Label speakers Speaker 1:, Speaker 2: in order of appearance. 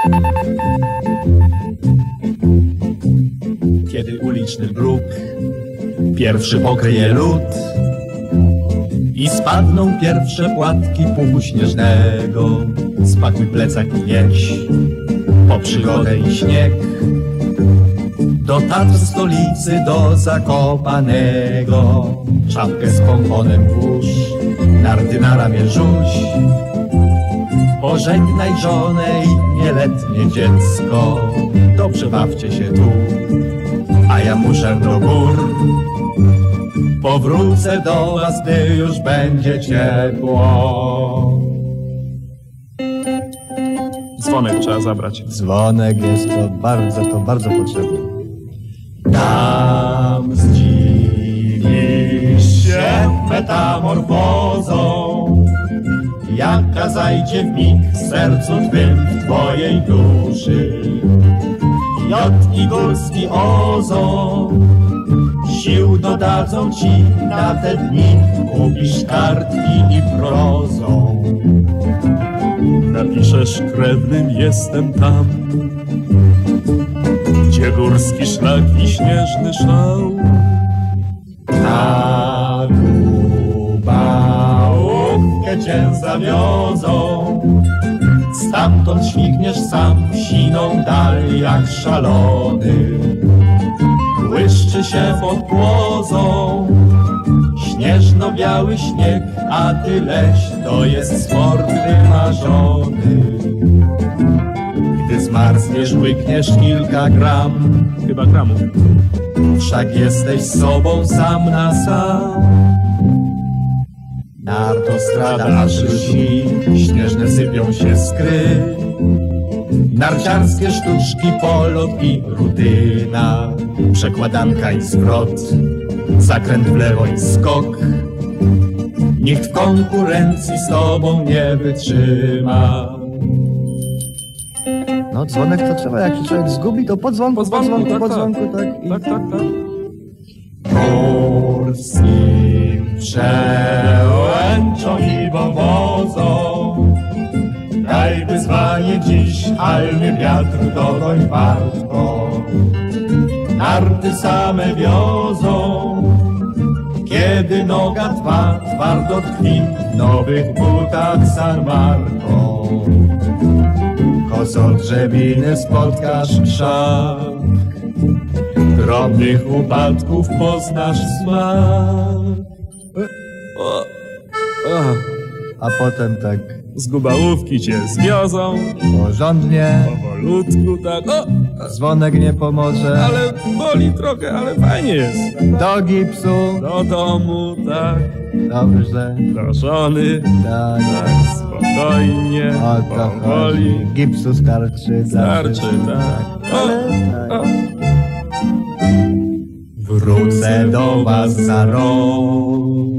Speaker 1: Kiedy uliczny bruk pierwszy pokryje lód i spadną pierwsze płatki puchu śnieżnego, spakuj plecak i jedź po przygodę i śnieg do Tatr, stolicy, do Zakopanego. Czapkę z pomponem włóż, narty na ramię rzuć, pożegnaj żonę i nieletnie dziecko. Dobrze bawcie się tu, a ja muszę do gór. Powrócę do was, gdy już będzie ciepło.
Speaker 2: Dzwonek trzeba zabrać.
Speaker 1: Dzwonek jest to bardzo potrzebne. Tam zdziwisz się metamorfozą, jaka zajdzie w mig w sercu twym, w twojej duszy. Jot i górski ozą sił dodadzą ci na te dni, kupisz kartki i prozą.
Speaker 2: Napiszesz krewnym, jestem tam, gdzie górski szlak i śnieżny szał.
Speaker 1: Na Lubałówkę cię zawiozą, stamtąd śmigniesz sam w siną dal jak szalony. Błyszczy się pod płozą śnieżno-biały śnieg, a ty leś, to jest sport wymarzony. Gdy zmarzniesz, łykniesz kilka gram,
Speaker 2: Chyba gramów.
Speaker 1: wszak jesteś sobą sam na sam. Na autostrada aż lśni, śnieżne sypią się skry, narciarskie sztuczki, polot i rutyna, przekładanka i zwrot, zakręt w lewo i skok. Nikt w konkurencji z tobą nie wytrzyma. No dzwonek to trzeba, jak się człowiek zgubi, to po dzwonku,
Speaker 2: tak. Tak.
Speaker 1: Górskim przełęczą i wąwozą daj wyzwanie dziś, halny wiatr dogoń wartko. Narty same wiozą, kiedy noga twa twardo tkwi w nowych butach San Marco. Kozo drzewiny spotkasz krzak, drobnych upadków poznasz smak. A potem tak
Speaker 2: Z Gubałówki cię zwiozą,
Speaker 1: porządnie,
Speaker 2: powolutku tak,
Speaker 1: dzwonek nie pomoże.
Speaker 2: ale boli trochę, ale fajnie jest.
Speaker 1: Do gipsu,
Speaker 2: Do domu, tak,
Speaker 1: dobrze,
Speaker 2: do żony,
Speaker 1: tak,
Speaker 2: tak, spokojnie,
Speaker 1: o to
Speaker 2: powoli,
Speaker 1: chodzi. Gipsu starczy,
Speaker 2: starczy, tak.
Speaker 1: Ale tak. Wrócę do was za rok.